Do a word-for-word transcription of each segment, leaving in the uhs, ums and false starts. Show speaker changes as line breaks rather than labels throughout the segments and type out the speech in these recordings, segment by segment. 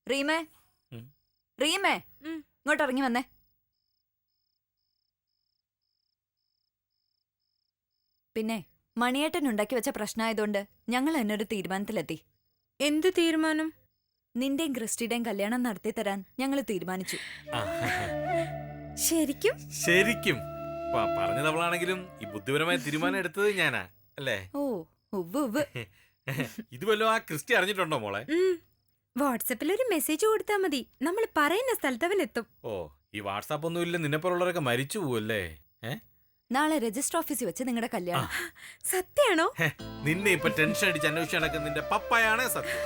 റീമേ റീമേ ഇങ്ങോട്ട് ഇറങ്ങി വന്നേ. പിന്നെ മണിയേട്ടൻ ഉണ്ടാക്കി വെച്ച പ്രശ്നമായതുകൊണ്ട് ഞങ്ങൾ എന്നൊരു തീരുമാനത്തിലെത്തി.
എന്ത് തീരുമാനം?
നിന്റെയും ക്രിസ്റ്റിയുടെയും കല്യാണം നടത്തി തരാൻ ഞങ്ങൾ തീരുമാനിച്ചു.
ശരിക്കും?
ശരിക്കും പറഞ്ഞതവളാണെങ്കിലും ഈ ബുദ്ധിപരമായ തീരുമാനം എടുത്തത് ഞാനാ അല്ലേ?
ഓ ഉവ്വ് ഉവ്വ്.
ഇത് വല്ലോ ആ ക്രിസ്റ്റി അറിഞ്ഞിട്ടുണ്ടോ മോളെ?
വാട്സാപ്പിൽ ഒരു മെസ്സേജ് കൊടുത്താൽ മതി, നമ്മൾ പറയുന്ന സ്ഥലത്ത് അവൻ എത്തും.
ഓ ഈ വാട്സാപ്പ് ഒന്നും ഇല്ല, നിന്നെ പോലുള്ളവരൊക്കെ മരിച്ചു പോവല്ലേ?
നാളെ രജിസ്റ്റർ ഓഫീസിൽ വെച്ച് നിങ്ങളുടെ കല്യാണം.
സത്യാണോ?
നിന്നെ ഇപ്പൊ ടെൻഷൻ അടിച്ച് അന്വേഷിച്ച് നടക്കുന്ന നിന്റെ പപ്പയാണ് സത്യം.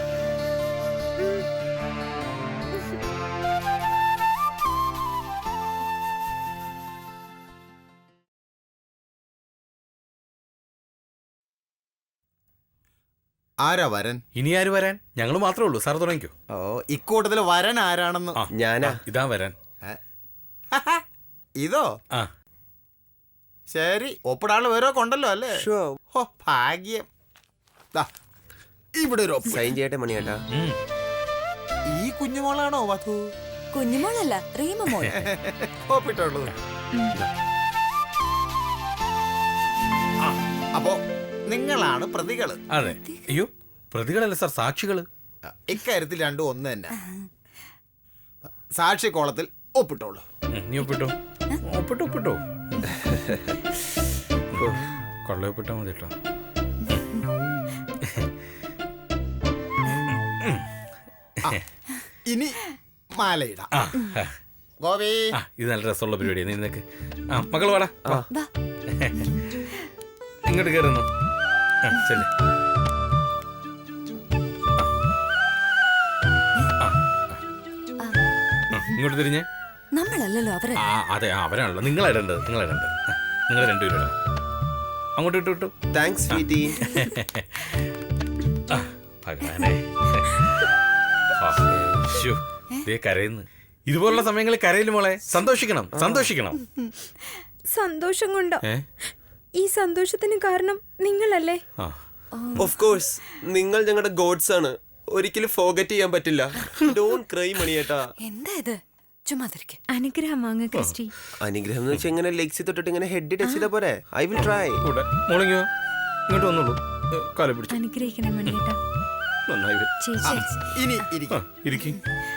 ആരാ വരൻ?
ഇനി ആര് വരാൻ? ഞങ്ങൾ മാത്രമേ ഉള്ളൂ. സാർ തുടങ്ങിക്കോ.
ഓ ഇക്കൂട്ടത്തിൽ വരൻ ആരാണെന്ന്.
ഞാനാ. ഇതാ വരാൻ.
ഇതോ?
ആ
ശരി, ഒപ്പിടാള് വേറെ കൊണ്ടല്ലോ അല്ലേ? ഓ ഭാഗ്യം. ഇവിടെ ഒരു
സൈൻ ചെയ്യട്ടെ മണിയേട്ടാ.
ഈ കുഞ്ഞുമോളാണോ വധു?
കുഞ്ഞുമോളല്ല, റീമ മോൾ.
ഒപ്പിട്ടുള്ളൂ. അപ്പോ നിങ്ങളാണ് പ്രതികള്?
അതെ. അയ്യോ പ്രതികളല്ല സാർ, സാക്ഷികള്.
ഇക്കാര്യത്തിൽ രണ്ടും ഒന്ന് തന്നെ. സാക്ഷി കോളത്തിൽ ഒപ്പിട്ടോളൂ.
നീ ഒപ്പിട്ടോ. ഒപ്പിട്ടോ ഒപ്പിട്ടോ. കൊള്ള ഒപ്പിട്ടാ മതി കേട്ടോ.
ഇനി മാലയിടാം. ഗോപി,
ഇത് നല്ല രസമുള്ള പരിപാടിയാണ്. നിനക്ക് ആ മകൾ വാടാ, ഇങ്ങോട്ട് കയറുന്നു. ശരി, ഇങ്ങോട്ട് തിരിഞ്ഞേ.
നമ്മളല്ലല്ലോ അവരെ.
ആ അതെ, അവരാണല്ലോ. നിങ്ങൾ ഇടേണ്ടത്, നിങ്ങൾ ഇടേണ്ടത്. നിങ്ങൾ രണ്ടുപേരും ഇടണം. അങ്ങോട്ട് ഇട്ടു ഇട്ടു.
Thanks sweetie.
ഭഗവാനെ, കരയുന്നു. ഇതുപോലുള്ള സമയങ്ങളിൽ കരയില് മോളെ. സന്തോഷിക്കണം, സന്തോഷിക്കണം.
സന്തോഷം കൊണ്ടോ? ഈ സന്തോഷത്തിന് കാരണം നിങ്ങളല്ലേ?
ഓഫ് കോഴ്സ്, നിങ്ങൾ ഞങ്ങളുടെ ഗോഡ്സ് ആണ്. ഒരിക്കലും ഫോർഗറ്റ് ചെയ്യാൻ പറ്റില്ല. ഡോണ്ട് ക്രൈ മണിയേട്ടാ.
എന്താ ഇത്? ചുമ്മാ
അനുഗ്രഹം വാങ്ങ ക്രിസ്റ്റി.
അനുഗ്രഹം എന്ന് വെച്ചാൽ ഇങ്ങനെ ലെഗ്സ് തൊട്ടിട്ട് ഇങ്ങനെ ഹെഡ് ടച്ച് ചെയ്ത പോരെ. I will try.
മോളിങ്ങോ ഇങ്ങോട്ട് വന്നോളൂ. കാല പിടിച്ചു
അനുഗ്രഹിക്കണേ മണിയേട്ടാ.
നന്നായി.
ഇനി ഇരിക്കും.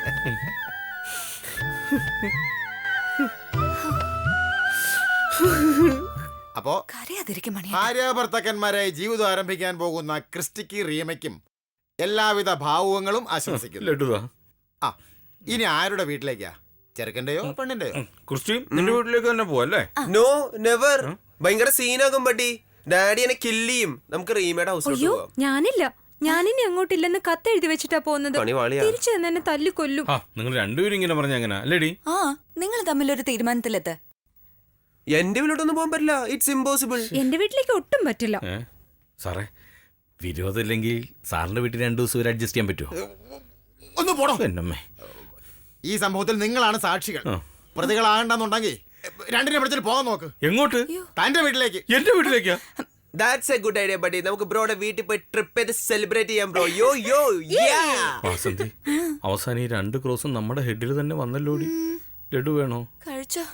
അപ്പോ ഭാര്യ ഭർത്താക്കന്മാരായി ജീവിതം ആരംഭിക്കാൻ പോകുന്ന ക്രിസ്റ്റിക്ക് റീമയ്ക്കും എല്ലാവിധ ഭാവുകങ്ങളും ആശംസിക്കുന്നു. ആ ഇനി ആരുടെ വീട്ടിലേക്കാ? ചെറുക്കന്റെയോ പെണ്ണിന്റെയോ?
ക്രിസ്റ്റി നിന്റെ വീട്ടിലേക്ക് തന്നെ പോവല്ലേ?
No never. ഭയങ്കര സീനാകും ബട്ടി. ഡാഡി എന്നെ കില്ലിയും. നമുക്ക് റീമയുടെ ഹൗസിലോട്ട് പോവാം.
ഞാനില്ല, ഞാനിനി അങ്ങോട്ടില്ലെന്ന് കത്ത് എഴുതി വെച്ചിട്ടാ പോകുന്നത്. തിരിച്ചു തന്നെ എന്നെ തല്ലിക്കൊല്ലും.
നിങ്ങൾ രണ്ടുപേരും ഇങ്ങനെ പറഞ്ഞ എങ്ങനെ അല്ലേടി?
ആ നിങ്ങൾ തമ്മിലൊരു തീരുമാനത്തിലെത്ത്.
എന്റെ വീട്ടിലോട്ടൊന്നും പോകാൻ പറ്റില്ല. It's impossible.
എന്റെ വീട്ടിലേക്ക് ഒട്ടും പറ്റില്ല.
സാറേ വിരോധമില്ലെങ്കിൽ സാറിന്റെ വീട്ടിൽ രണ്ടു ദിവസം വരെ അഡ്ജസ്റ്റ് ചെയ്യാൻ പറ്റുമോ?
ഒന്ന് പോടോ.
എന്നമ്മേ,
ഈ സംഭവത്തിൽ നിങ്ങളാണ് സാക്ഷികൾ. പ്രതികളാകണ്ടെന്നുണ്ടെങ്കിൽ രണ്ടിനെ പിടിച്ചിട്ട് പോകാൻ നോക്ക്.
എങ്ങോട്ട്?
തന്റെ വീട്ടിലേക്ക്.
എന്റെ വീട്ടിലേക്കാ?
That's a good idea buddy. നമുക്ക് ബ്രോയുടെ വീട്ടിൽ പോയി ട്രിപ്പ് ചെയ്ത് സെലിബ്രേറ്റ് ചെയ്യാം ബ്രോ. യോ യോ യാ.
വാസന്തി, അവസാനം ഈ രണ്ട് ക്രോസും നമ്മുടെ ഹെഡിൽ തന്നെ വന്നല്ലോടി. ലഡു വേണോ?
കഴിച്ചോ?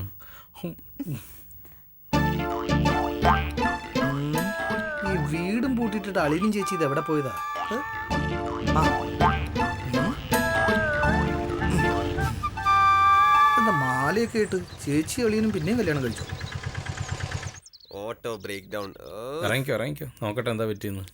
ഈ വീടും പൂട്ടിട്ടിട്ട് അളിനും ചേച്ചി ഇത് എവിടെ പോയതാ? എന്താ മാലയൊക്കെ ഇട്ട് ചേച്ചി അളിയനും പിന്നെയും കല്യാണം കഴിച്ചു.
Auto break down.
ഇറങ്ങിക്കോ ഇറങ്ങിക്കോ, നോക്കട്ടെ എന്താ പറ്റിയെന്ന്.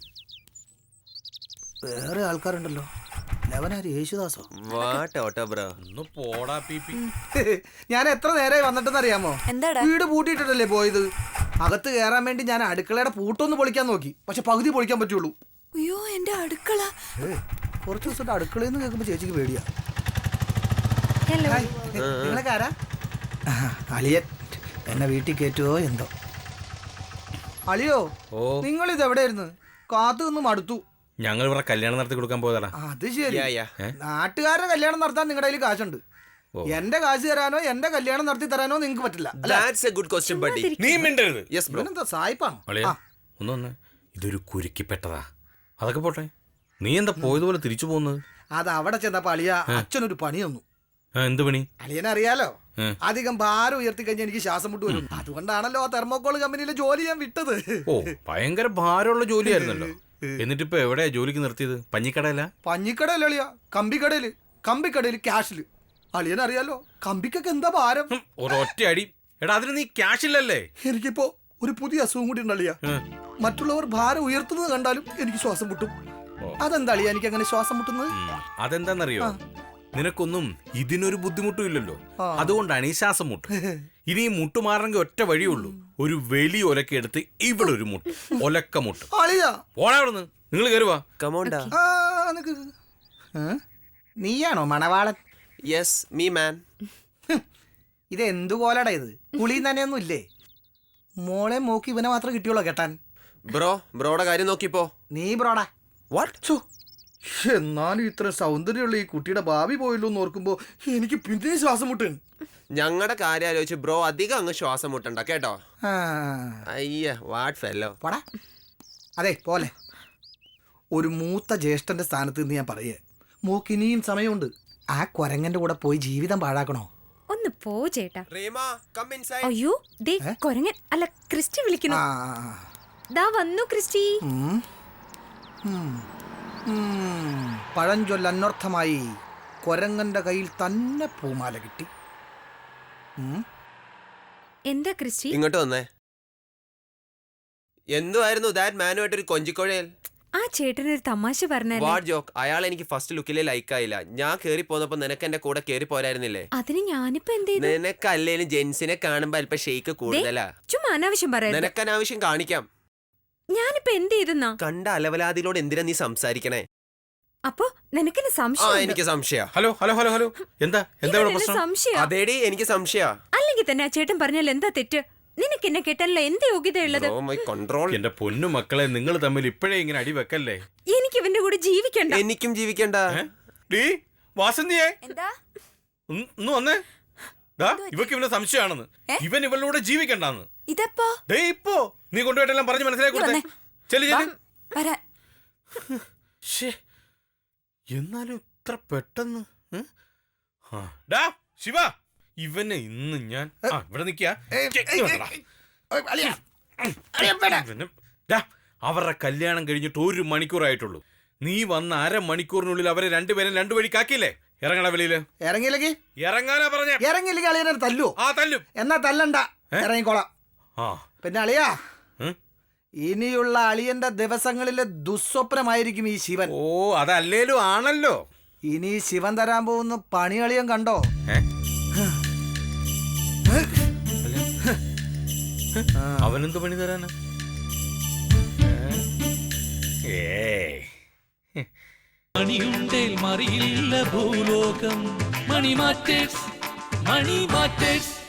വേറെ ആൾക്കാരുണ്ടല്ലോ. ലവനാര്? യേശുദാസോ?
What auto bro.
ഒന്ന് പോടാ പീപ്പി.
ഞാൻ എത്ര നേരമായി വന്നിട്ടെന്ന് അറിയാമോ?
എന്താടാ?
വീട് പൂട്ടിയിട്ടല്ലേ പോയത്. അകത്ത് കയറാൻ വേണ്ടി ഞാൻ അടുക്കളയുടെ പൂട്ടൊന്ന് പൊളിക്കാൻ നോക്കി, പക്ഷെ പകുതി പൊളിക്കാൻ പറ്റുള്ളൂ.
അയ്യോ എന്റെ അടുക്കള.
കുറച്ച് ദിവസമായിട്ട് അടുക്കളയിൽ നിന്ന് കേൾക്കുമ്പോ ചേച്ചിക്ക് പേടിയാ.
ഹലോ,
നിങ്ങളൊക്കെ ആരാ? അളിയൻ എന്നെ വീട്ടിൽ കയറ്റുവോ എന്തോ. അളിയോ, നിങ്ങൾ ഇത് എവിടെയായിരുന്നു? കാത്തു നിന്നും അടുത്തു.
ഞങ്ങൾ ഇവിടെ കല്യാണം നടത്തി കൊടുക്കാൻ പോയതാ.
അത് ശരി. നാട്ടുകാരുടെ കല്യാണം നടത്താൻ നിങ്ങളുടെ കയ്യിൽ കാശുണ്ട്. എന്റെ കാശ് തരാനോ എന്റെ കല്യാണം നടത്തി തരാനോ നിങ്ങൾക്ക് പറ്റില്ല.
That's a good question buddy.
നീ മിണ്ടരുത്.
Yes bro.
എന്താ സായിപ്പാണ്?
ഒന്ന് വന്ന് ഇതൊരു കുരുക്കിപ്പെട്ടതാ. അതൊക്കെ പോട്ടെ, നീ എന്താ പോയതുപോലെ തിരിച്ചു പോകുന്നത്?
അത് അവിടെ ചെന്നപ്പോ അളിയ അച്ഛനൊരു പണി തന്നു.
ആ, എന്ത് പണി?
അളിയനറിയാലോ,
ഏ.
അധികം ഭാരം ഉയർത്തി കഴിഞ്ഞാൽ എനിക്ക് ശ്വാസം മുട്ട് വരും. അതുകൊണ്ടാണല്ലോ ആ തെർമോകോൾ കമ്പനിയിലെ ജോലി ഞാൻ വിട്ടത്.
ഓ ഭയങ്കര ഭാരമുള്ള ജോലിയായിരുന്നല്ലോ. എന്നിട്ടിപ്പോ എവിടെയാ ജോലിക്ക് നിർത്തിയത്? പഞ്ഞിക്കടയല്ല?
പഞ്ഞിക്കടയല്ല അളിയ, കമ്പിക്കടയില്. കമ്പിക്കടയില് ക്യാഷില്. അളിയനറിയാലോ കമ്പിക്കൊക്കെ എന്താ ഭാരം.
ഹും, ഒരൊറ്റ അടി. എടാ അതിന് നീ ക്യാഷ് ഇല്ലല്ലേ?
എനിക്കിപ്പോ ഒരു പുതിയ അസുഖം കൂടി ഉണ്ട് അളിയ. മറ്റുള്ളവർ ഭാരം ഉയർത്തുന്നത് കണ്ടാലും എനിക്ക് ശ്വാസം മുട്ടും. അതെന്താ അളിയ എനിക്ക് അങ്ങനെ ശ്വാസം മുട്ടുന്നത്?
ഉം, അതെന്താന്നറിയോ? നിനക്കൊന്നും ഇതിനൊരു ബുദ്ധിമുട്ടും ഇല്ലല്ലോ, അതുകൊണ്ടാണ് ഈ ശ്വാസം മുട്ട്. ഇനി ഈ മുട്ട് മാറണമെങ്കിൽ ഒറ്റ വഴിയുള്ളൂ. ഒരു വലിയ ഒലക്ക എടുത്ത് ഇവിടെ ഒരു മുട്ട്, ഒലക്ക മുട്ട്.
അളിയ
പോടാ അവിടുന്ന്. നിങ്ങൾ കയറുവാ.
കമോണ്ടാ.
ആ, നിക്ക്. ഏ? നീയാണോ മണവാളൻ?
Yes me man.
ഇത് എന്തു കോലടാ ഇത്? കുളിയും തന്നെയൊന്നും ഇല്ലേ? മോളെ മോക്ക് ഇവനെ മാത്രം കിട്ടിയോളോ കെട്ടാൻ?
ബ്രോ ബ്രോയുടെ കാര്യം നോക്കിപ്പോ.
നീ ബ്രോടാ.
വാട്ട്?
എന്നാലും ഇത്ര സൗന്ദര്യമുള്ള ഈ കുട്ടിയുടെ ഭാവി പോയല്ലോ എന്ന് ഓർക്കുമ്പോ എനിക്ക് പിന്നെ ശ്വാസം മുട്ടാണ്.
ഞങ്ങളുടെ കാര്യം ആലോചിച്ച് ബ്രോ അധികം അങ്ങ് ശ്വാസം മുട്ടണ്ട കേട്ടോ. അയ്യ വാട്ട് ഫെല്ലോ.
പോടാ. അതെ പോലെ ഒരു മൂത്ത ജ്യേഷ്ഠന്റെ സ്ഥാനത്ത് നിന്ന് ഞാൻ പറയേ, മോക്ക് ഇനിയും സമയമുണ്ട്. ആ കൊരങ്ങന്റെ കൂടെ പോയി ജീവിതം പാഴാക്കണോ?
ഒന്ന് പോ ചേട്ടാ.
Reema come inside.
അയ്യോ ദേ കൊരങ്ങൻ അല്ല ക്രിസ്റ്റി വിളിക്കുന്നു.
ആ,
ദാ വന്നു ക്രിസ്റ്റി.
ഉം. ഉം. ഉം. പഴഞ്ചൊല്ല് അന്വർത്ഥമായി കൊരങ്ങന്റെ കയ്യിൽ തന്നെ പൂമാല കിട്ടി. ഉം.
എന്താ ക്രിസ്റ്റി?
ഇങ്ങോട്ട് വന്നേ. എന്തുവായിരുന്നു ദാറ്റ് മാനുമായിട്ടൊരു കൊഞ്ചിക്കൊഴയൽ?
ആ ചേട്ടനൊരു തമാശ പറഞ്ഞല്ലേ.
What joke? അയാൾ എനിക്ക് ഫസ്റ്റ് ലുക്കിലെ ലൈക്ക് ആയില്ല. ഞാൻ കേറി പോന്നപ്പോ നിനക്ക് എന്റെ കൂടെ കേറി പോരായിരുന്നില്ലേ?
അതിന് ഞാനിപ്പോ എന്ത് ചെയ്തു?
നിനക്കല്ലേലും ജെൻസിനെ കാണുമ്പോ അല്പം ഷെയ്ക്ക് കൂടുതലാ.
ചുമ്മാ അനാവശ്യം പറയാ.
നിനക്കനാവശ്യം കാണിക്കാം.
ഞാനിപ്പോ എന്ത് ചെയ്തെന്നാ?
കണ്ട അലവലാതിലോട് എന്തിനാ നീ സംസാരിക്കണേ?
അപ്പൊ നിനക്കെന്നെ
ആ
സംശയം?
എനിക്ക് സംശയ.
ഹലോ ഹലോ ഹലോ ഹലോ എന്താ എന്താ ഇവിടെ പ്രശ്നം?
സംശയം
അതേടി എനിക്ക് സംശയ.
അല്ലെങ്കിൽ തന്നെ ആ ചേട്ടൻ പറഞ്ഞാൽ എന്താ തെറ്റ്? നിനക്ക് എന്നെ കേട്ടല്ലോ എന്ത് യോഗ്യതയുള്ളത്?
കൺട്രോൾ.
എന്റെ പൊന്നു മക്കളെ, നിങ്ങൾ തമ്മിൽ ഇപ്പോഴേ ഇങ്ങനെ അടി വെക്കല്ലേ.
എനിക്ക് ഇവന്റെ കൂടെ ജീവിക്കണ്ട.
എനിക്കും ജീവിക്കണ്ട.
ഡീ വാസന്തിയേ,
എന്താ
ഒന്ന് ഒന്ന് വന്നേ. ദാ ഇവക്ക് ഇവനെ സംശയമാണെന്ന്. ഇവൻ ഇവളുടെ ജീവിക്കണ്ടെന്ന്.
ഇതെപ്പോ?
ദേ ഇപ്പോ നീ കൊണ്ടുപോയിട്ടെല്ലാം പറഞ്ഞ് മനസ്സിലാക്കി കൊടുത്തേ. ചെല്ലു ചെല്ലു.
വരാൻ.
ശ്ശേ, എന്നാലും ഇത്ര പെട്ടെന്ന്. ഉം? ആ, ഡാ ശിവ, ഇവനെ ഇന്ന് ഞാൻ ആ, ഇവിടെ നിക്കാ. ഇവന് ഡാ, അവരുടെ കല്യാണം കഴിഞ്ഞിട്ട് ഒരു മണിക്കൂറായിട്ടുള്ളൂ. നീ വന്ന അരമണിക്കൂറിനുള്ളിൽ അവരെ രണ്ടുപേരും രണ്ടു വഴിക്കാക്കിയില്ലേ? ഇറങ്ങണ വെളിയില്.
ഇറങ്ങിയില്ലെങ്കിൽ
ഇറങ്ങാനാ പറഞ്ഞ.
ഇറങ്ങിയില്ലെങ്കിൽ അളിയനെ തല്ലു.
ആ തല്ലും.
എന്നാ തല്ലണ്ട, ഇറങ്ങിക്കോളാം.
ആ
പിന്നെ അളിയാ,
ഉം?
ഇനിയുള്ള അളിയന്റെ ദിവസങ്ങളിലെ ദുസ്വപ്നമായിരിക്കും ഈ ശിവൻ.
ഓ അതല്ലേലും ആണല്ലോ.
ഇനി ശിവൻ തരാൻ പോകുന്ന പണി അളിയൻ കണ്ടോ?
ഏ? അവനെന്ത് പണി തരാനാ? ഏ
മണിയുണ്ടേൽ മറിയില്ല ഭൂലോകം. Money matters, money matters.